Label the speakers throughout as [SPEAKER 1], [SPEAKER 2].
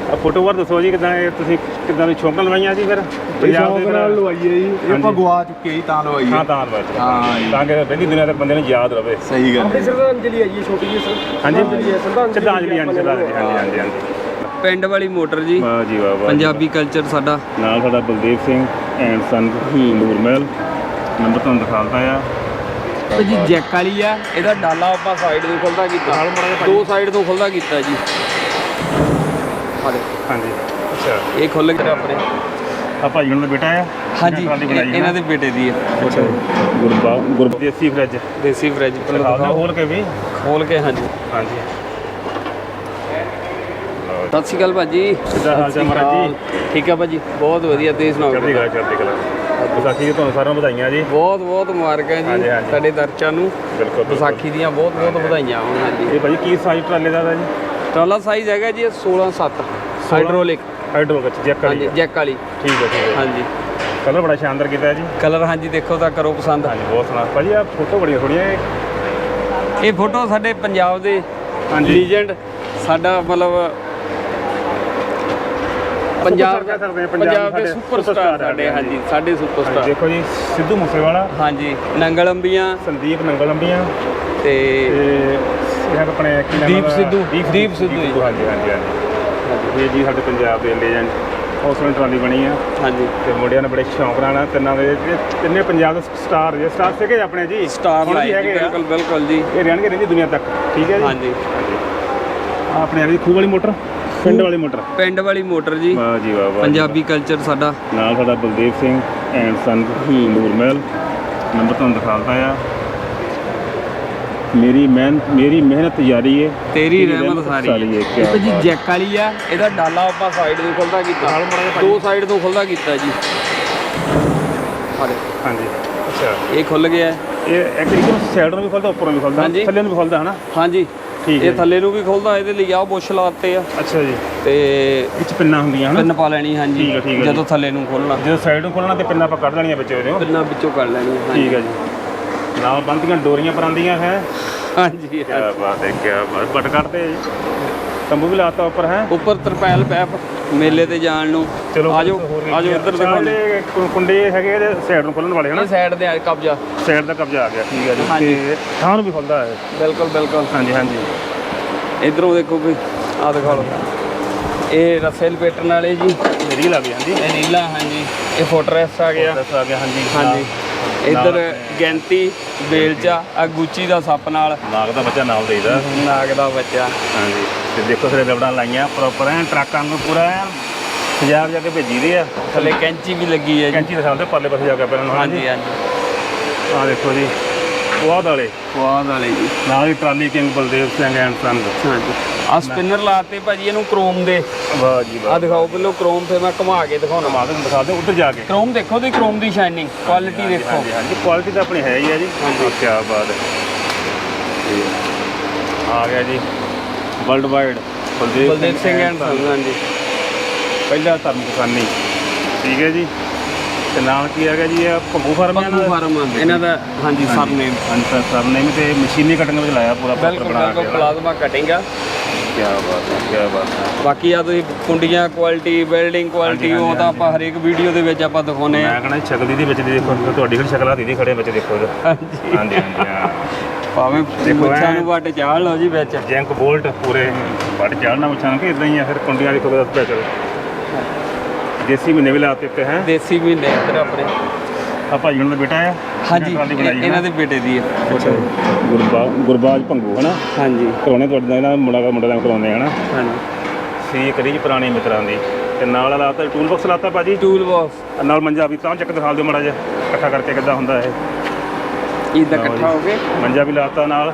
[SPEAKER 1] Photo ਬਾਰ ਦੱਸੋ ਜੀ ਕਿਦਾਂ ਤੁਸੀਂ ਕਿਦਾਂ ਦੀ ਸ਼ੌਂਕ ਲਵਾਈਆਂ ਜੀ ਫਿਰ
[SPEAKER 2] ਪੰਜਾਬ ਦੇ ਨਾਲ ਲਵਾਈਏ ਜੀ ਇਹ ਆਪਾਂ ਗਵਾ ਚੁੱਕੇ ਜੀ ਤਾਂ ਲਵਾਈਏ
[SPEAKER 1] ਹਾਂ ਤਾਂ ਲਵਾਈ ਤਾਂ ਕਿ ਪਹਿਲੀ ਦੁਨੀਆ ਤੱਕ ਬੰਦੇ ਨੂੰ ਯਾਦ ਰਵੇ
[SPEAKER 2] ਸਹੀ ਗੱਲ
[SPEAKER 3] ਆਪਣੀ ਸ਼ਰਧਾਂਜਲੀ ਹੈ ਜੀ ਛੋਟੀ ਜਿਹੀ
[SPEAKER 1] ਹਾਂਜੀ
[SPEAKER 3] ਸ਼ਰਧਾਂਜਲੀ
[SPEAKER 1] ਹਾਂਜੀ ਹਾਂਜੀ
[SPEAKER 4] ਪਿੰਡ ਵਾਲੀ ਮੋਟਰ ਜੀ
[SPEAKER 1] ਵਾਹ ਜੀ ਵਾਹ
[SPEAKER 4] ਪੰਜਾਬੀ ਕਲਚਰ ਸਾਡਾ
[SPEAKER 1] ਨਾਲ ਸਾਡਾ Baldev Singh and son Nurmahal number ਤੁਹਾਨੂੰ ਦਿਖਾਉਂਦਾ ਆ
[SPEAKER 4] ਤੇ ਜੀ ਜੈਕ ਵਾਲੀ ਆ ਇਹਦਾ ਡਾਲਾ ਆਪਾਂ ਸਾਈਡ ਤੋਂ ਖੁੱਲਦਾ ਕੀਤਾ ਦੋ ਸਾਈਡ ਤੋਂ ਖੁੱਲਦਾ ਕੀਤਾ ਜੀ
[SPEAKER 1] ਹਾਂਜੀ ਅੱਛਾ
[SPEAKER 4] ਇਹ ਖੁੱਲ ਗਿਆ ਆਪਣੇ
[SPEAKER 1] ਆ ਭਾਈ ਉਹਨਾਂ ਦਾ ਬੇਟਾ ਆ
[SPEAKER 4] ਹਾਂਜੀ ਇਹਨਾਂ ਦੇ ਬੇਟੇ ਦੀ ਹੈ
[SPEAKER 1] ਗੁਰਬਾ ਦੇਸੀ ਫਰਿੱਜ
[SPEAKER 4] ਦੇਸੀ ਫਰਿੱਜ
[SPEAKER 1] ਖੋਲ ਕੇ ਵੀ
[SPEAKER 4] ਖੋਲ ਕੇ ਹਾਂਜੀ
[SPEAKER 1] ਹਾਂਜੀ
[SPEAKER 4] ਸਤਿ ਸ਼੍ਰੀ ਅਕਾਲ ਭਾਜੀ
[SPEAKER 1] ਕਿੱਦਾਂ ਹਾਲ ਚਾਲ ਮਹਾਰਾਜ ਜੀ
[SPEAKER 4] ਠੀਕ ਆ ਭਾਜੀ ਬਹੁਤ ਵਧੀਆ ਤੁਸੀਂ ਸੁਣਾਓ
[SPEAKER 1] ਚੜ੍ਹਦੀ ਕਲਾ ਵਿਸਾਖੀ ਦੀ ਤੁਹਾਨੂੰ ਸਾਰਿਆਂ ਨੂੰ ਵਧਾਈਆਂ ਜੀ
[SPEAKER 4] ਬਹੁਤ ਬਹੁਤ ਮੁਬਾਰਕਾਂ ਜੀ ਤੁਹਾਡੇ ਦਰਸ਼ਕਾਂ ਨੂੰ
[SPEAKER 1] ਬਿਲਕੁਲ
[SPEAKER 4] ਵਿਸਾਖੀ ਦੀਆਂ ਬਹੁਤ ਬਹੁਤ ਵਧਾਈਆਂ ਹੋਣ ਹਾਂਜੀ
[SPEAKER 1] ਇਹ ਭਾਜੀ ਕੀ ਸਾਈਜ਼ ਟਰਾਲੇ ਦਾ ਜੀ
[SPEAKER 4] ਟਰਾਲਾ ਸਾਈਜ਼ ਹੈਗਾ ਜੀ 16/7 ਹਾਈਡ੍ਰੋਲਿਕ
[SPEAKER 1] ਜੈਕ ਵਾਲੀ
[SPEAKER 4] ਹਾਂਜੀ ਜੈਕ ਵਾਲੀ
[SPEAKER 1] ਠੀਕ ਹੈ
[SPEAKER 4] ਹਾਂਜੀ
[SPEAKER 1] ਕਲਰ ਬੜਾ ਸ਼ਾਨਦਾਰ ਕੀਤਾ ਹੈ ਜੀ
[SPEAKER 4] ਕਲਰ ਹਾਂਜੀ ਦੇਖੋ ਤਾਂ ਕਰੋ ਪਸੰਦ
[SPEAKER 1] ਹਾਂਜੀ ਬਹੁਤ ਸੋਹਣਾ ਭਾਜੀ ਆ ਫੋਟੋ ਬੜੀਆਂ ਸੋਹਣੀਆਂ
[SPEAKER 4] ਇਹ ਫੋਟੋ ਸਾਡੇ ਪੰਜਾਬ ਦੇ ਲੀਜੈਂਡ ਸਾਡਾ ਮਤਲਬ ਪੰਜਾਬ ਦੇ ਸੁਪਰਸਟਾਰ ਸਾਡੇ ਹਾਂਜੀ ਸਾਡੇ ਸੁਪਰਸਟਾਰ
[SPEAKER 1] ਦੇਖੋ ਜੀ ਸਿੱਧੂ ਮੂਸੇਵਾਲਾ
[SPEAKER 4] ਹਾਂਜੀ ਨੰਗਲ ਅੰਬੀਆਂ
[SPEAKER 1] ਸੰਦੀਪ ਨੰਗਲ ਅੰਬੀਆਂ
[SPEAKER 4] ਤੇ
[SPEAKER 1] ਇਹ ਆਪਣੇ
[SPEAKER 4] ਦੀਪ ਸਿੱਧੂ
[SPEAKER 1] ਹਾਂਜੀ ਇਹ ਜੀ ਸਾਡੇ ਪੰਜਾਬ ਦੇ ਲੈਜੈਂਡ ਹੌਸਲੇ ਟਰਾਲੀ ਬਣੀ ਆ
[SPEAKER 4] ਹਾਂਜੀ
[SPEAKER 1] ਤੇ ਮੁੰਡਿਆਂ ਨੇ ਬੜੇ ਸ਼ੌਂਕ ਨਾਲ ਤਿੰਨਾਂ ਦੇ ਤਿੰਨੇ ਪੰਜਾਬ ਦੇ ਸਟਾਰ ਸੀਗੇ ਆਪਣੇ ਜੀ
[SPEAKER 4] ਸਟਾਰ ਲਾਈਕ ਬਿਲਕੁਲ ਜੀ
[SPEAKER 1] ਇਹ ਰਹਿਣਗੇ ਰਹਿੰਦੀ ਦੁਨੀਆ ਤੱਕ ਠੀਕ ਹੈ ਜੀ
[SPEAKER 4] ਹਾਂਜੀ
[SPEAKER 1] ਆਪਣੇ ਆ ਜੀ ਖੂਹ ਵਾਲੀ ਮੋਟਰ ਪਿੰਡ ਵਾਲੀ ਮੋਟਰ ਜੀ ਵਾਹ ਜੀ ਵਾਹ
[SPEAKER 4] ਪੰਜਾਬੀ ਕਲਚਰ ਸਾਡਾ
[SPEAKER 1] ਨਾਲ ਸਾਡਾ Baldev Singh and son Nurmahal number ਤੁਹਾਨੂੰ ਦਿਖਾਉਂਦਾ ਆ ਮੇਰੀ ਮਿਹਨਤ ਜਾਰੀ ਹੈ
[SPEAKER 4] ਤੇਰੀ ਰਹਿਮਤ ਸਾਰੀ ਹੈ ਇਹ ਜੀ ਜੈਕ ਵਾਲੀ ਆ ਇਹਦਾ ਡਾਲਾ ਆਪਾਂ ਸਾਈਡ ਤੋਂ ਖੁੱਲਦਾ ਕੀਤਾ ਦੋ ਸਾਈਡ ਤੋਂ ਖੁੱਲਦਾ ਕੀਤਾ ਜੀ
[SPEAKER 1] ਹਾਂਜੀ ਅੱਛਾ
[SPEAKER 4] ਇਹ ਖੁੱਲ ਗਿਆ
[SPEAKER 1] ਇਹ ਇੱਕ ਸਾਈਡ ਨੂੰ ਵੀ ਖੁੱਲਦਾ ਉੱਪਰੋਂ ਵੀ ਖੁੱਲਦਾ ਥੱਲੇ ਨੂੰ ਵੀ ਖੁੱਲਦਾ ਹਨਾ
[SPEAKER 4] ਹਾਂਜੀ ਇਹ ਥੱਲੇ ਨੂੰ ਵੀ ਖੁੱਲਦਾ ਇਹਦੇ ਲਈ ਆ ਬੁਸ਼ ਲਾਤੇ ਆ
[SPEAKER 1] ਅੱਛਾ ਜੀ
[SPEAKER 4] ਤੇ
[SPEAKER 1] ਵਿੱਚ ਪਿੰਨਾਂ ਹੁੰਦੀਆਂ ਹਨਾ
[SPEAKER 4] ਪਿੰਨ ਪਾ ਲੈਣੀ ਹਾਂਜੀ ਜਦੋਂ ਥੱਲੇ ਨੂੰ ਖੋਲਣਾ
[SPEAKER 1] ਜਦੋਂ ਸਾਈਡ ਨੂੰ ਖੋਲਣਾ ਤੇ ਪਿੰਨਾਂ ਆਪਾਂ ਕੱਢ ਲੈਣੀਆਂ ਵਿੱਚੋਂ ਇਹਦੇ
[SPEAKER 4] ਪਿੰਨਾਂ ਵਿੱਚੋਂ ਕੱਢ ਲੈਣੀਆਂ
[SPEAKER 1] ਠੀਕ ਹੈ ਜੀ ਨਾਲ ਬੰਦੀਆਂ ਡੋਰੀਆਂ ਪਰਾਂਦੀਆਂ ਹੈ
[SPEAKER 4] ਹਾਂਜੀ
[SPEAKER 1] ਕੀ ਬਾਤ ਹੈ ਕੀ ਬਾਤ ਬਟ ਕੱਢਦੇ ਤੰਬੂ ਵੀ ਲਾਤਾ ਉੱਪਰ ਹੈ
[SPEAKER 4] ਉੱਪਰ ਤਰਪੈਲ ਪੈਪ ਮੇਲੇ ਤੇ ਜਾਣ ਨੂੰ
[SPEAKER 1] ਚਲੋ
[SPEAKER 4] ਆਜੋ ਇੱਧਰ ਦਿਖਾਉਂਦੇ
[SPEAKER 1] ਕੁੰਡੇ ਹੈਗੇ ਇਹਦੇ ਸਾਈਡ ਨੂੰ ਖੋਲਣ ਵਾਲੇ ਹਨਾ
[SPEAKER 4] ਸਾਈਡ ਦੇ ਕਬਜ਼ਾ
[SPEAKER 1] ਸਾਈਡ ਦਾ ਕਬਜ਼ਾ ਆ ਗਿਆ ਠੀਕ ਹੈ ਜੀ ਤੇ ਥਾਂ ਨੂੰ ਵੀ ਖੁੱਲਦਾ ਹੈ
[SPEAKER 4] ਬਿਲਕੁਲ
[SPEAKER 1] ਹਾਂਜੀ
[SPEAKER 4] ਇਧਰੋਂ ਦੇਖੋ ਕੋਈ ਆ ਦਿਖਾ ਲਓ ਇਹ ਰੱਸੇ ਲਪੇਟਣ ਵਾਲੇ ਜੀ
[SPEAKER 1] ਰੀਲ ਆ ਗਈ ਹਾਂਜੀ
[SPEAKER 4] ਇਹ ਰੀਲਾ ਹਾਂਜੀ ਇਹ ਫੋਟਰੈਸ ਆ ਗਿਆ ਹਾਂਜੀ ਇੱਧਰ ਗੈਂਤੀ ਬੇਲਚਾ ਆ ਗੁੱਚੀ ਦਾ ਸੱਪ ਨਾਲ
[SPEAKER 1] ਨਾਗ ਦਾ ਬੱਚਾ ਨਾਲ ਦੇਈਦਾ
[SPEAKER 4] ਨਾਗ ਦਾ ਬੱਚਾ
[SPEAKER 1] ਹਾਂਜੀ ਤੇ ਦੇਖੋ ਸਾਰੇ ਰਬੜਾਂ ਲਾਈਆਂ ਪ੍ਰੋਪਰ ਐ ਟਰੱਕਾਂ ਨੂੰ ਪੂਰਾ ਪੰਜਾਬ ਜਾ ਕੇ ਭੇਜੀ ਦੇ ਆ
[SPEAKER 4] ਥੱਲੇ ਕੈਂਚੀ ਵੀ ਲੱਗੀ ਹੈ ਜੀ
[SPEAKER 1] ਕੈਂਚੀ ਦਿਖਾਉਂਦੇ ਪਰਲੇ ਪਾਸੇ ਜਾ ਕੇ ਪਹਿਲਾਂ
[SPEAKER 4] ਹਾਂਜੀ
[SPEAKER 1] ਆ ਦੇਖੋ ਜੀ ਕੁਆਦ ਵਾਲੇ
[SPEAKER 4] ਜੀ
[SPEAKER 1] ਨਾਲ ਹੀ trolley king Baldev Singh and son
[SPEAKER 4] ਹਾਂਜੀ ਆ ਸਪਿਨਰ ਲਾਤੇ ਭਾਜੀ ਇਹਨੂੰ ਕ੍ਰੋਮ ਦੇ
[SPEAKER 1] ਵਾਹ ਜੀ ਵਾਹ
[SPEAKER 4] ਆ ਦਿਖਾਓ ਪਹਿਲਾਂ ਕ੍ਰੋਮ ਤੇ ਮੈਂ ਘੁਮਾ ਕੇ ਦਿਖਾਉਣਾ
[SPEAKER 1] ਮਾਦਨ ਦਿਖਾ ਦੇ ਉੱਧਰ ਜਾ ਕੇ
[SPEAKER 4] ਕ੍ਰੋਮ ਦੇਖੋ ਤੇ ਕ੍ਰੋਮ ਦੀ ਸ਼ਾਈਨਿੰਗ ਕੁਆਲਿਟੀ ਦੇਖੋ
[SPEAKER 1] ਹਾਂਜੀ ਕੁਆਲਿਟੀ ਤਾਂ ਆਪਣੀ ਹੈ ਹੀ ਆ ਜੀ
[SPEAKER 4] ਹਾਂਜੀ
[SPEAKER 1] ਕੀ ਬਾਤ ਹੈ ਆ ਗਿਆ ਜੀ world wide
[SPEAKER 4] Baldev Singh and son ਹਾਂਜੀ
[SPEAKER 1] ਪਹਿਲਾ ਧਰਮ ਕਿਸਾਨੀ ਠੀਕ ਹੈ ਜੀ ਤੇ ਨਾਮ ਕੀ ਹੈਗਾ ਜੀ ਇਹ ਭੰਗੂ ਫਾਰਮ
[SPEAKER 4] ਇਹਨਾਂ ਦਾ ਹਾਂਜੀ
[SPEAKER 1] ਸਰਨੇਮ ਤੇ ਮਸ਼ੀਨੀ ਕਟਿੰਗ ਵਿੱਚ ਲਾਇਆ ਪੂਰਾ
[SPEAKER 4] ਬਿਲਕੁਲ ਪਲਾਜ਼ਮਾ ਕਟਿੰਗ ਆ
[SPEAKER 1] ਕੀ ਬਾਤ ਹੈ
[SPEAKER 4] ਬਾਕੀ ਆ ਤੁਸੀਂ ਕੁੰਡੀਆਂ ਕੁਆਲਿਟੀ ਬਿਲਡਿੰਗ ਕੁਆਲਿਟੀ ਉਹ ਤਾਂ ਆਪਾਂ ਹਰੇਕ ਵੀਡੀਓ ਦੇ ਵਿੱਚ ਆਪਾਂ ਦਿਖਾਉਨੇ ਆ
[SPEAKER 1] ਮੈਂ ਕਹਿੰਦਾ ਸ਼ਕਲ ਦੀ ਵਿੱਚ ਦੇਖੋ ਤੁਹਾਡੀ ਕਿਹੜੀ ਸ਼ਕਲ ਆ ਦੀਦੀ ਖੜੇ ਵਿੱਚ ਦੇਖੋ ਹਾਂਜੀ
[SPEAKER 4] ਭਾਵੇਂ ਮੁੱਛਾਂ ਨੂੰ ਵੱਟ ਚਾੜ ਲਓ ਜੀ ਵਿੱਚ
[SPEAKER 1] ਜੈਂਕ ਬੋਲਟ ਪੂਰੇ ਵੱਟ ਚਾੜਨਾ ਮੁੱਛਾਂ ਕਿ ਇਦਾਂ ਹੀ ਆ ਫਿਰ ਕੁੰਡੀਆਂ ਦੇਖੋ ਦੱਸ ਪਿਆ ਚਲੋ ਦੇਸੀ ਮਹੀਨੇ ਵੀ ਲਾਤੇ ਤੇ ਹੈ
[SPEAKER 4] ਦੇਸੀ ਮਹੀਨੇ ਇੱਧਰ ਆਪਣੇ
[SPEAKER 1] ਆ ਭਾਈ ਉਹਨਾਂ ਦਾ ਬੇਟਾ ਆ
[SPEAKER 4] ਹਾਂਜੀ ਇਹਨਾਂ ਦੇ ਬੇਟੇ ਦੀ ਹੈ
[SPEAKER 1] ਗੁਰਬਾਜ ਭੰਗੂ ਹਨਾ
[SPEAKER 4] ਹਾਂਜੀ
[SPEAKER 1] ਕਰਾਉਣੇ ਤੁਹਾਡੇ ਨਾਲ ਮੁੰਡਾ ਦਾ ਕਰਾਉਂਦੇ ਹਨਾ
[SPEAKER 4] ਹਾਂਜੀ
[SPEAKER 1] ਸੀ ਕਰੀ ਪੁਰਾਣੇ ਮਿੱਤਰਾਂ ਦੀ ਤੇ ਨਾਲ ਲਾਤਾ ਟੂਲ ਬਾਕਸ ਲਾਤਾ ਭਾਜੀ
[SPEAKER 4] ਟੂਲ ਬਾਕਸ
[SPEAKER 1] ਨਾਲ ਮੰਜਾ ਵੀ ਤਾਂ ਚੱਕ ਦਿਖਾ ਦਿਓ ਮਾੜਾ ਜਿਹਾ ਇਕੱਠਾ ਕਰਕੇ ਕਿੱਦਾਂ ਹੁੰਦਾ ਇਹ
[SPEAKER 4] ਇਦਾਂ ਇਕੱਠਾ ਹੋ ਕੇ
[SPEAKER 1] ਮੰਜਾ ਵੀ ਲਾਤਾ ਨਾਲ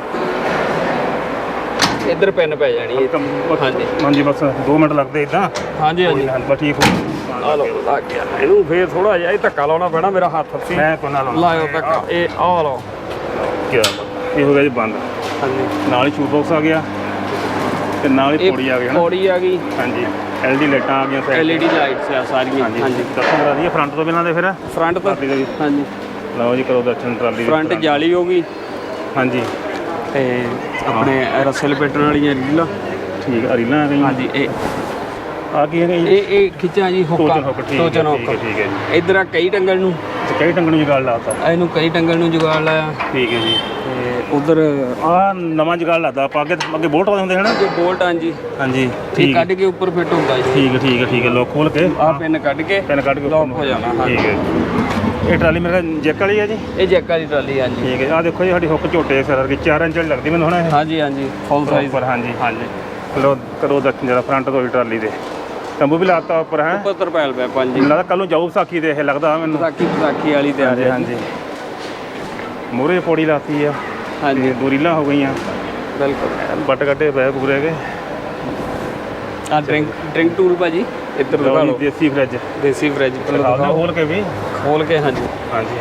[SPEAKER 4] ਇੱਧਰ ਪੈਨ ਪੈ ਜਾਣੀ
[SPEAKER 1] ਹਾਂਜੀ ਬਸ 2 ਮਿੰਟ ਲੱਗਦੇ ਇਦਾਂ
[SPEAKER 4] ਹਾਂਜੀ
[SPEAKER 1] ਬਸ ਠੀਕ ਹੋ
[SPEAKER 4] ਆ ਲਓ ਲੱਗ ਗਿਆ ਇਹਨੂੰ ਫੇਰ ਥੋੜਾ ਜਿਹਾ ਇਹ ਧੱਕਾ ਲਾਉਣਾ ਪੈਣਾ ਮੇਰਾ ਹੱਥ ਸੀ
[SPEAKER 1] ਮੈਂ ਕੋਨਾ
[SPEAKER 4] ਲਾਇਓ ਧੱਕਾ ਇਹ ਆ ਲਓ
[SPEAKER 1] ਕੀ ਇਹ ਹੋ ਗਿਆ ਜੀ ਬੰਦ
[SPEAKER 4] ਹਾਂਜੀ
[SPEAKER 1] ਨਾਲ ਹੀ ਸ਼ੂ ਬਾਕਸ ਆ ਗਿਆ ਤੇ ਨਾਲ ਹੀ ਪੌੜੀ ਆ ਗਈ
[SPEAKER 4] ਪੌੜੀ ਆ ਗਈ
[SPEAKER 1] ਹਾਂਜੀ LED ਲਾਈਟਾਂ ਆ ਗਈਆਂ
[SPEAKER 4] LED ਲਾਈਟਸ ਆ ਸਾਰੀਆਂ
[SPEAKER 1] ਹਾਂਜੀ ਦੱਸੋ ਕਰਾ ਦਈਏ ਫਰੰਟ ਤੋਂ ਬਿਨਾਂ ਦੇ ਫਿਰ
[SPEAKER 4] ਫਰੰਟ ਤੋਂ ਹਾਂਜੀ
[SPEAKER 1] ਲਓ ਜੀ ਕਰੋ ਦਰਸ਼ਨ ਟਰਾਲੀ
[SPEAKER 4] ਫਰੰਟ ਜਾਲੀ ਹੋ ਗਈ
[SPEAKER 1] ਹਾਂਜੀ
[SPEAKER 4] ਤੇ ਆਪਣੇ ਰੱਸੇ ਲਪੇਟਣ ਵਾਲੀਆਂ ਰੀਲਾਂ
[SPEAKER 1] ਠੀਕ ਆ ਰੀਲਾਂ ਆ ਗਈਆਂ
[SPEAKER 4] ਹਾਂਜੀ ਇਹ
[SPEAKER 1] ਆ ਕੀ ਹੈਗਾ ਜੀ?
[SPEAKER 4] ਇਹ ਖਿੱਚਾਂ ਜੀ ਹੁੱਕਾਂ
[SPEAKER 1] ਟੋਚਨ ਹੁੱਕ, ਠੀਕ ਹੈ,
[SPEAKER 4] ਟੋਚਨ
[SPEAKER 1] ਠੀਕ ਹੈ, ਠੀਕ ਹੈ ਜੀ।
[SPEAKER 4] ਇੱਧਰ ਆ ਕਈ ਟੰਗਲ ਨੂੰ
[SPEAKER 1] ਤੇ ਕਈ ਟੰਗਣ ਨੂੰ ਜੁਗਾੜ ਲਾਤਾ।
[SPEAKER 4] ਇਹਨੂੰ ਕਈ ਟੰਗਲ ਨੂੰ ਜੁਗਾੜ ਲਾਇਆ
[SPEAKER 1] ਠੀਕ ਹੈ ਜੀ।
[SPEAKER 4] ਤੇ ਉਧਰ
[SPEAKER 1] ਆ ਨਵਾਂ ਜੁਗਾੜ ਲਾਤਾ ਆਪਾਂ, ਅੱਗੇ ਬੋਲਟ ਵਾਲੇ ਹੁੰਦੇ ਹਨ।
[SPEAKER 4] ਜੋ ਬੋਲਟ ਹਾਂਜੀ
[SPEAKER 1] ਹਾਂਜੀ
[SPEAKER 4] ਇਹ
[SPEAKER 1] ਠੀਕ ਹੈ,
[SPEAKER 4] ਕੱਢ ਕੇ ਉੱਪਰ ਫਿੱਟ ਹੁੰਦਾ ਜੀ।
[SPEAKER 1] ਠੀਕ ਹੈ, ਠੀਕ ਹੈ, ਠੀਕ ਹੈ। ਲੋਕ ਖੋਲ ਕੇ
[SPEAKER 4] ਆਹ ਪਿੰਨ ਕੱਢ ਕੇ
[SPEAKER 1] ਪੈਨ ਕੱਢ ਕੇ
[SPEAKER 4] ਲੌਕ ਹੋ ਜਾਣਾ। ਹਾਂਜੀ
[SPEAKER 1] ਠੀਕ ਹੈ। ਇਹ ਟਰਾਲੀ ਮੇਰਾ ਜੈਕ ਵਾਲੀ ਹੈ ਜੀ?
[SPEAKER 4] ਇਹ ਜੈਕ ਵਾਲੀ ਟਰਾਲੀ ਹਾਂਜੀ।
[SPEAKER 1] ਠੀਕ ਹੈ। ਆ ਦੇਖੋ ਜੀ ਸਾਡੀ ਹੁੱਕ ਝੋਟੇ ਸਿਰ ਦੀ 4 ਇੰਚ ਵਾਲੀ ਲੱਗਦੀ ਮੈਨੂੰ ਹੁਣ ਇਹ
[SPEAKER 4] ਹਾਂਜੀ ਹਾਂਜੀ ਫੁੱਲ ਸਾਈਜ਼
[SPEAKER 1] ਉੱਪਰ। ਹਾਂਜੀ ਹਾਂਜੀ। ਲੋ ਕਰੋ ਦਰਸ਼ਨ ਜਰਾ ਫਰੰਟ ਤੋਂ ਟਰਾਲੀ ਦੇ ਤੰਬੂ ਵੀ ਲਾਤਾ ਉੱਪਰ ਹੈ।
[SPEAKER 4] ਉੱਪਰ ਤਰਪਾਲ ਪਿਆ ਪੰਜ
[SPEAKER 1] ਮੈਨੂੰ ਲੱਗਦਾ ਕੱਲ ਨੂੰ ਜਾਊ ਵਿਸਾਖੀ ਦੇ, ਇਹ ਲੱਗਦਾ ਮੈਨੂੰ।
[SPEAKER 4] ਵਿਸਾਖੀ ਵਾਲੀ ਤਿਆਰ
[SPEAKER 1] ਹਾਂਜੀ
[SPEAKER 4] ਹੈ
[SPEAKER 1] ਹਾਂਜੀ। ਮੂਹਰੇ ਪੌੜੀ ਲਾਤੀ ਆ।
[SPEAKER 4] ਹਾਂਜੀ
[SPEAKER 1] ਦੂਰੀਲਾਂ ਹੋ ਗਈਆਂ,
[SPEAKER 4] ਬਿਲਕੁਲ।
[SPEAKER 1] ਬੱਟ ਕੱਟੇ ਪਏ ਪੂਰੇ ਕੇ।
[SPEAKER 4] ਆ ਡਰਿੰਕ ਟੂਲ ਭਾਜੀ ਇੱਧਰ ਦਿਖਾ
[SPEAKER 1] ਲਓ
[SPEAKER 4] ਲਓ।
[SPEAKER 1] ਜੀ, ਦੇਸੀ ਫਰਿੱਜ
[SPEAKER 4] ਦੇਸੀ ਫ੍ਰਿਜ
[SPEAKER 1] ਦਿਖਾਓ ਖੋਲ ਕੇ ਵੀ।
[SPEAKER 4] ਖੋਲ ਕੇ ਹਾਂਜੀ
[SPEAKER 1] ਹਾਂਜੀ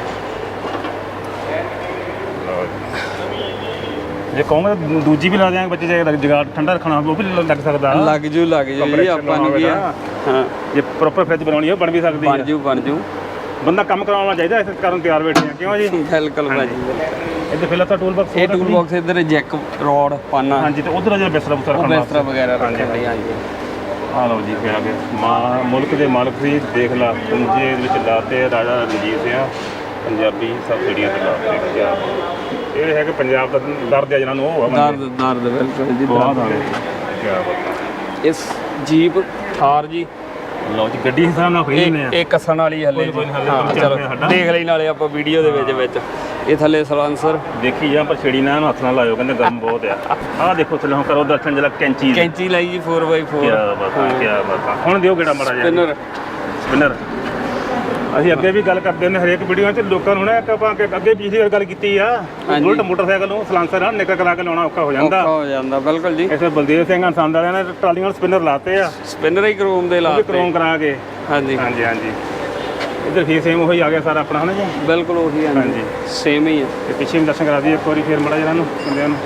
[SPEAKER 1] ਲਓ ਜੀ। ਜੇ ਕਹੋਗੇ ਤਾਂ ਦੂਜੀ ਵੀ ਲਾ ਦਿਆਂਗੇ ਬੱਚੇ, ਜੇ ਜਗਾੜ ਠੰਡਾ ਰੱਖਣਾ ਹੋਵੇ ਉਹ ਵੀ ਲੱਗ ਸਕਦਾ।
[SPEAKER 4] ਲੱਗ ਜੂ ਜੀ ਆਪਾਂ ਨੂੰ ਕੀ ਆ। ਹਾਂ
[SPEAKER 1] ਜੇ ਪ੍ਰੋਪਰ ਫਰਿੱਜ ਬਣਾਉਣੀ ਹੈ ਬਣ ਵੀ ਸਕਦੀ ਹੈ।
[SPEAKER 4] ਬਣ ਜੂ
[SPEAKER 1] ਬੰਦਾ ਕੰਮ ਕਰਾਉਣਾ ਚਾਹੀਦਾ, ਇਸ ਕਾਰਨ ਤਿਆਰ ਬੈਠੇ ਆ। ਕਿਉਂ ਜੀ?
[SPEAKER 4] ਬਿਲਕੁਲ ਭਾਜੀ।
[SPEAKER 1] ਇੱਧਰ ਫਿਲਹਾਲ ਤਾਂ ਟੂਲ ਬਾਕਸ
[SPEAKER 4] ਇਹ ਟੂਲ ਬਾਕਸ ਇੱਧਰ ਜੈਕ ਰੋਡ ਪਾਨਾ
[SPEAKER 1] ਹਾਂਜੀ, ਤੇ ਉਧਰ ਜਿਹੜਾ ਬਿਸਤਰਾ ਬੁਸਤਰਾ
[SPEAKER 4] ਉਹ
[SPEAKER 1] ਰੱਖਣਾ
[SPEAKER 4] ਬਿਸਤਰਾ ਵਗੈਰਾ
[SPEAKER 1] ਹਾਂਜੀ,
[SPEAKER 4] ਰੱਖਣ ਲਈ ਹਾਂਜੀ।
[SPEAKER 1] ਆ ਲਓ ਜੀ ਫਿਰ ਆ ਗਏ ਮੁਲਕ ਦੇ ਮਾਲਕ ਸੀ। ਦੇਖ ਲਾ ਪੁੰਜੇ ਦੇ ਵਿੱਚ ਲਾਤੇ ਰਾਜਾ ਰਣਜੀਤ ਸਿੰਘ ਪੰਜਾਬੀ ਸਬਸਿਡੀਆਂ ਤੇ ਲਾਤੇ। ਕਿਆ ਇਹ ਹੈ ਕਿ ਪੰਜਾਬ ਦਾ ਦਰਦ ਹੈ ਜਿਹਨਾਂ ਨੂੰ ਉਹ ਆ ਬੰਦੇ।
[SPEAKER 4] ਦਰਦ ਬਿਲਕੁਲ ਜੀ
[SPEAKER 1] ਬਹੁਤ
[SPEAKER 4] ਦਰਦ।
[SPEAKER 1] ਆ ਕਿਆ ਬਾਤ।
[SPEAKER 4] ਇਸ ਜੀਪ ਥਾਰ ਜੀ
[SPEAKER 1] ਲਓ ਜੀ ਗੱਡੀ ਹਿਸਾਬ ਨਾਲ ਖਰੀਦ ਨੇ ਆ।
[SPEAKER 4] ਇਹ ਕੱਸਣ ਵਾਲੀ ਹੱਲੇ
[SPEAKER 1] ਕੋਈ ਨੀ, ਹਲੇ
[SPEAKER 4] ਹਾਂ
[SPEAKER 1] ਕੰਮ ਚੱਲ
[SPEAKER 4] ਚਲੋ
[SPEAKER 1] ਰਿਹਾ ਸਾਡਾ।
[SPEAKER 4] ਦੇਖ ਲਈ ਨਾਲੇ ਆਪਾਂ ਵੀਡੀਓ ਦੇ ਵਿੱਚ ਇਹ ਥੱਲੇ ਸਲਾਂਸਰ
[SPEAKER 1] ਦੇਖੀ ਜਾਂ ਪਰ ਛੇੜੀ ਨਾ ਇਹਨੂੰ ਹੱਥ ਨਾਲ ਲਾਇਓ, ਕਹਿੰਦੇ ਗਰਮ ਬਹੁਤ ਆ। ਆਹ ਦੇਖੋ ਥੱਲੇ ਹੁਣ ਕਰੋ ਦਰਸ਼ਨ ਜਰਾ ਕੈਂਚੀ ਦੀ।
[SPEAKER 4] ਕੈਂਚੀ ਲਾਈ ਜੀ 4x4
[SPEAKER 1] ਕਿਆ ਬਾਤ ਆ, ਕਿਆ ਬਾਤ ਆ। ਹੁਣ ਦਿਓ ਕਿਹੜਾ ਮਾੜਾ ਜਿਹਾ
[SPEAKER 4] ਸਪਿਨਰ
[SPEAKER 1] ਸਪਿਨਰ। ਅਸੀਂ ਅੱਗੇ ਵੀ ਗੱਲ ਕਰਦੇ ਹੁੰਦੇ ਹਰੇਕ ਵੀਡੀਓ 'ਚ ਲੋਕਾਂ ਨੂੰ ਨਾ ਇੱਕ ਆਪਾਂ ਅੱਗੇ ਪਿਛਲੀ ਵਾਰ ਗੱਲ ਕੀਤੀ ਆ।
[SPEAKER 4] ਹਾਂਜੀ।
[SPEAKER 1] ਬੁਲਟ ਮੋਟਰਸਾਈਕਲ ਨੂੰ ਸਲਾਂਸਰ ਨਾਲ ਨਿਕਲ ਕਰਾ ਕੇ ਲਾਉਣਾ ਔਖਾ ਹੋ ਜਾਂਦਾ।
[SPEAKER 4] ਔਖਾ ਹੋ ਜਾਂਦਾ ਬਿਲਕੁਲ ਜੀ।
[SPEAKER 1] ਇਸੇ ਬਲਦੇਵ ਸਿੰਘ ਹੰਸੰਦ ਵਾਲਿਆਂ ਨੇ ਟਰਾਲੀਆਂ ਨੂੰ ਸਪਿਨਰ ਲਾਤੇ ਆ,
[SPEAKER 4] ਸਪਿਨਰ ਹੀ ਕਰੋਮ ਦੇ
[SPEAKER 1] ਉਹ ਵੀ
[SPEAKER 4] ਲਾਤੇ
[SPEAKER 1] ਕ੍ਰੋਮ ਕਰਾ ਕੇ।
[SPEAKER 4] ਹਾਂਜੀ
[SPEAKER 1] ਹਾਂਜੀ ਹਾਂਜੀ। ਇੱਧਰ ਫੇਰ ਸੇਮ ਉਹੀ ਆ ਗਿਆ ਸਾਰਾ ਆਪਣਾ ਹਨਾ ਜੀ।
[SPEAKER 4] ਬਿਲਕੁਲ ਉਹੀ
[SPEAKER 1] ਹਾਂਜੀ।
[SPEAKER 4] ਹਾਂਜੀ ਸੇਮ ਹੀ ਹੈ।
[SPEAKER 1] ਤੇ ਪਿੱਛੇ ਵੀ ਦਰਸ਼ਨ ਕਰਾ ਦਈਏ ਇੱਕ ਵਾਰੀ ਫੇਰ ਮੜਾ ਜਿਹਨਾਂ ਨੂੰ ਬੰਦਿਆਂ ਨੂੰ।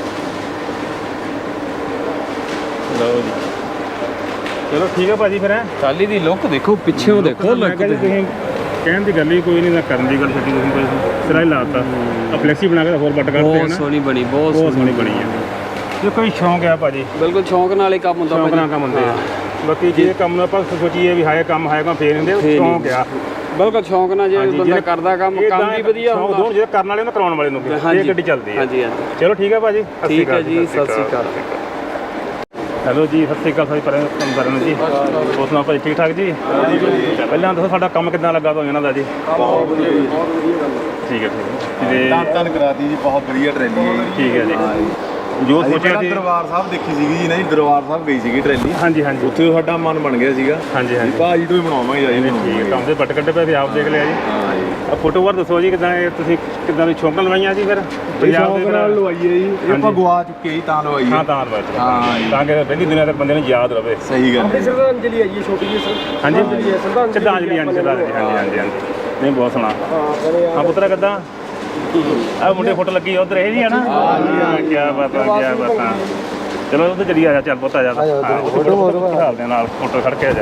[SPEAKER 1] ਲਓ ਜੀ ਚਲੋ ਠੀਕ ਹੈ ਭਾਜੀ ਫਿਰ ਹੈ।
[SPEAKER 4] ਟਾਲੀ ਦੀ ਲੁੱਕ ਦੇਖੋ ਪਿੱਛੇੋਂ ਦੇਖੋ
[SPEAKER 1] ਮੈਂ
[SPEAKER 4] ਲੁੱਕ
[SPEAKER 1] ਕਿਹਾ ਜੀ ਤੁਸੀਂ ਕਹਿਣ ਦੀ ਗੱਲ ਹੀ ਕੋਈ ਨਹੀਂ, ਨਾ ਕਰਨ ਦੀ ਗੱਲ ਛੱਡੀ ਤੁਸੀਂ ਕੋਈ ਸਿਰਾ ਹੀ ਲਾਤਾ। ਆ ਫਲੈਕਸੀ ਬਣਾ ਕੇ ਹੋਰ ਵੱਟ ਕਰਦੇ
[SPEAKER 4] ਬਹੁਤ
[SPEAKER 1] ਹਨ।
[SPEAKER 4] ਸੋਹਣੀ ਬਣੀ
[SPEAKER 1] ਬਹੁਤ ਸੋਹਣੀ ਬਣੀ ਹੈ। ਜੇ ਕੋਈ ਸ਼ੌਂਕ ਆ ਭਾਜੀ,
[SPEAKER 4] ਬਿਲਕੁਲ ਸ਼ੌਂਕ ਨਾਲ ਹੀ ਕੰਮ ਹੁੰਦਾ
[SPEAKER 1] ਸ਼ੌਂਕ ਨਾਲ ਕੰਮ ਹੁੰਦੇ ਆ। ਬਾਕੀ ਜੇ ਕੰਮ ਨੂੰ ਆਪਾਂ ਸੋਚੀਏ ਵੀ ਹਾਏ ਕੰਮ ਫੇਰ ਹੁੰਦੇ, ਸ਼ੌਂਕ ਆ।
[SPEAKER 4] ਬਿਲਕੁਲ ਸ਼ੌਂਕ ਨਾਲ ਜੇ ਬੰਦਾ ਕਰਦਾ ਕੰਮ ਵੀ ਵਧੀਆ
[SPEAKER 1] ਸ਼ੌਂਕ ਦੋਨ ਜਿਹੜੇ ਕਰਨ ਵਾਲੇ ਉਹਨੂੰ ਕਰਾਉਣ ਵਾਲੇ ਨੂੰ ਵੀ। ਇਹ ਗੱਡੀ ਚੱਲਦੀ ਹੈ।
[SPEAKER 4] ਹਾਂਜੀ ਹਾਂਜੀ
[SPEAKER 1] ਚਲੋ ਠੀਕ ਹੈ ਭਾਜੀ, ਸਤਿ ਸ਼੍ਰੀ
[SPEAKER 4] ਠੀਕ ਹੈ
[SPEAKER 1] ਅਕਾਲ
[SPEAKER 4] ਜੀ ਸਤਿ ਸ਼੍ਰੀ ਅਕਾਲ।
[SPEAKER 1] ਹੈਲੋ ਜੀ, ਸਤਿ ਸ਼੍ਰੀ ਅਕਾਲ ਸਾਰੇ ਪਰਿਵਾਰ ਜੀ। ਹੋਰ ਸੁਣਾਓ ਭਾਜੀ, ਠੀਕ ਠਾਕ ਜੀ? ਪਹਿਲਾਂ ਦੱਸੋ ਸਾਡਾ ਕੰਮ ਕਿੱਦਾਂ ਲੱਗਾ ਤੁਹਾਨੂੰ ਇਹਨਾਂ ਦਾ ਜੀ?
[SPEAKER 2] ਬਹੁਤ ਵਧੀਆ ਜੀ,
[SPEAKER 1] ਠੀਕ ਹੈ ਠੀਕ ਹੈ।
[SPEAKER 2] ਧੰਨ ਕਰਾਤੀ ਜੀ, ਬਹੁਤ ਵਧੀਆ ਟਰੈਲੀ ਹੈ ਜੀ।
[SPEAKER 1] ਠੀਕ ਹੈ ਜੀ।
[SPEAKER 2] ਹਾਂ ਜੀ।
[SPEAKER 1] ਜੋ
[SPEAKER 2] ਅਸੀਂ
[SPEAKER 1] ਸੋਚਿਆ
[SPEAKER 2] ਪਹਿਲਾਂ
[SPEAKER 1] ਸੀ।
[SPEAKER 2] ਦਰਬਾਰ ਸਾਹਿਬ ਦੇਖੀ ਸੀਗੀ ਜੀ, ਨਹੀਂ ਦਰਬਾਰ ਸਾਹਿਬ ਗਈ ਸੀਗੀ ਟਰੈਲੀ।
[SPEAKER 1] ਹਾਂਜੀ ਹਾਂਜੀ
[SPEAKER 2] ਉੱਥੇ ਸਾਡਾ ਮਨ ਬਣ ਗਿਆ ਸੀਗਾ।
[SPEAKER 1] ਹਾਂਜੀ ਹਾਂਜੀ।
[SPEAKER 2] ਭਾਜੀ ਤੋਂ ਹੀ ਬਣਾਵਾਂਗੇ ਜੀ।
[SPEAKER 1] ਠੀਕ ਹੈ, ਕੰਮ ਦੇ ਬੱਟ ਕੱਢੇ ਪਏ, ਆਪ ਦੇਖ ਲਿਆ ਜੀ।
[SPEAKER 2] ਹਾਂ ਜੀ।
[SPEAKER 1] ਆ ਫੋਟੋ ਵਾਰ ਦੱਸੋ ਜੀ, ਕਿੱਦਾਂ ਇਹ ਤੁਸੀਂ ਕਿੱਦਾਂ ਦੀ ਸ਼ੌਂਕ ਨਾਲ ਲਵਾਈਆਂ ਜੀ ਫਿਰ?
[SPEAKER 2] ਪੰਜਾਬ ਦੇ ਨਾਲ ਲਵਾਈਏ ਜੀ, ਇਹ ਆਪਾਂ ਗਵਾ ਚੁੱਕੇ ਜੀ ਤਾਂ ਲਵਾਈਏ।
[SPEAKER 1] ਹਾਂ ਤਾਂ ਲਵਾਈ
[SPEAKER 2] ਹਾਂ ਜੀ।
[SPEAKER 1] ਤਾਂ ਕਿ ਪਹਿਲੀ ਦੁਨੀਆ ਤੱਕ ਬੰਦੇ ਨੂੰ ਯਾਦ ਰਵੇ।
[SPEAKER 2] ਸਹੀ ਗੱਲ ਹੈ।
[SPEAKER 3] ਸ਼ਰਧਾਂਜਲੀ ਹੈ ਜੀ ਛੋਟੀ ਜਿਹੀ
[SPEAKER 1] ਹਾਂਜੀ
[SPEAKER 3] ਸ਼ਰਧਾਂਜਲੀ ਹੈ
[SPEAKER 1] ਸ਼ਰਧਾਂਜਲੀ ਹਾਂਜੀ ਸ਼ਰਧਾਂਜਲੀ ਹਾਂਜੀ ਹਾਂਜੀ ਹਾਂਜੀ। ਨਹੀਂ ਬਹੁਤ ਸੋਹਣਾ। ਹਾਂ ਪੁੱਤਰਾ ਕਿੱਦਾਂ? ਆ ਮੁੰਡੇ ਫੋਟੋ ਲੱਗੀ ਉਧਰ ਇਹ ਜੀ ਹੈ ਨਾ? ਹਾਂ ਕੀ ਬਾਤ ਆ, ਕੀ ਬਾਤ ਆ। ਚਲੋ ਉਧਰ ਚਲੀ ਆ ਜਾ, ਚੱਲ ਪੁੱਤ ਆ ਜਾ। ਫੋਟੋ ਖਿਚਾਲਦੇ ਆ ਨਾਲ, ਫੋਟੋ ਖੜ ਕੇ ਆ ਜਾ।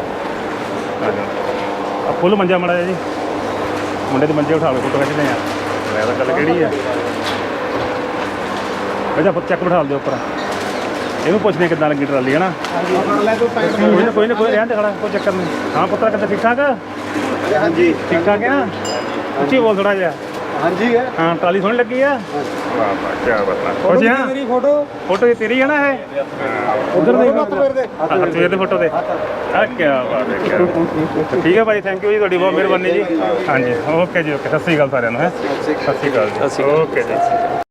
[SPEAKER 1] ਆ ਫੁੱਲ ਮੰਜਾ ਮੜਾ ਜੀ, ਮੁੰਡੇ ਦੇ ਮੰਜੇ ਉਠਾ ਕੇ ਫੋਟੋ ਖਿੱਚਦੇ ਆ। ਮੈਂ ਤਾਂ ਗੱਲ ਕਿਹੜੀ ਆ? ਬੇਟਾ ਪੁੱਤ ਚੱਕ ਬਿਠਾ ਦਿਓ ਉੱਪਰ। ਇਹਨੂੰ ਪੁੱਛਦੇ ਕਿੱਦਾਂ ਲੱਗੀ ਟਰਾਲੀ ਹੈ ਨਾ? ਕੋਈ ਨਾ ਕੋਈ ਰਹਿਣ ਦੇ ਖੜਾ, ਕੋਈ ਚੱਕਰ ਨਹੀਂ। ਹਾਂ ਪੁੱਤਰਾ ਕਿੱਦਾਂ, ਠੀਕ ਠਾਕ?
[SPEAKER 2] ਹਾਂਜੀ
[SPEAKER 1] ਠੀਕ ਠਾਕ ਹੈ ਨਾ? ਉੱਚੀ ਬੋਲ ਥੋੜਾ ਜਿਹਾ।
[SPEAKER 2] ਹਾਂਜੀ ਹੈ।
[SPEAKER 1] ਹਾਂ ਟਰਾਲੀ ਸੋਹਣੀ ਲੱਗੀ ਆ। ਵਾਹ ਵਾਹ ਕੀ ਬਾਤ ਆ। ਖੁਸ਼ ਆ?
[SPEAKER 3] ਮੇਰੀ ਫੋਟੋ
[SPEAKER 1] ਫੋਟੋ ਇਹ ਤੇਰੀ ਹੈ ਨਾ? ਇਹ
[SPEAKER 3] ਉਧਰ ਦੇ
[SPEAKER 1] ਸਵੇਰ ਦੇ ਫੋਟੋ ਦੇ। ਆ ਕੀ ਬਾਤ ਹੈ, ਕੀ ਬਾਤ ਹੈ। ਠੀਕ ਹੈ ਭਾਈ, ਥੈਂਕ ਯੂ ਜੀ, ਤੁਹਾਡੀ ਬਹੁਤ ਮਿਹਰਬਾਨੀ ਜੀ। ਹਾਂਜੀ ਓਕੇ ਜੀ, ਓਕੇ। ਸਤਿ ਸ਼੍ਰੀ ਅਕਾਲ ਸਾਰਿਆਂ ਨੂੰ। ਹੈ ਸਤਿ ਸ਼੍ਰੀ ਅਕਾਲ ਜੀ। ਓਕੇ ਜੀ।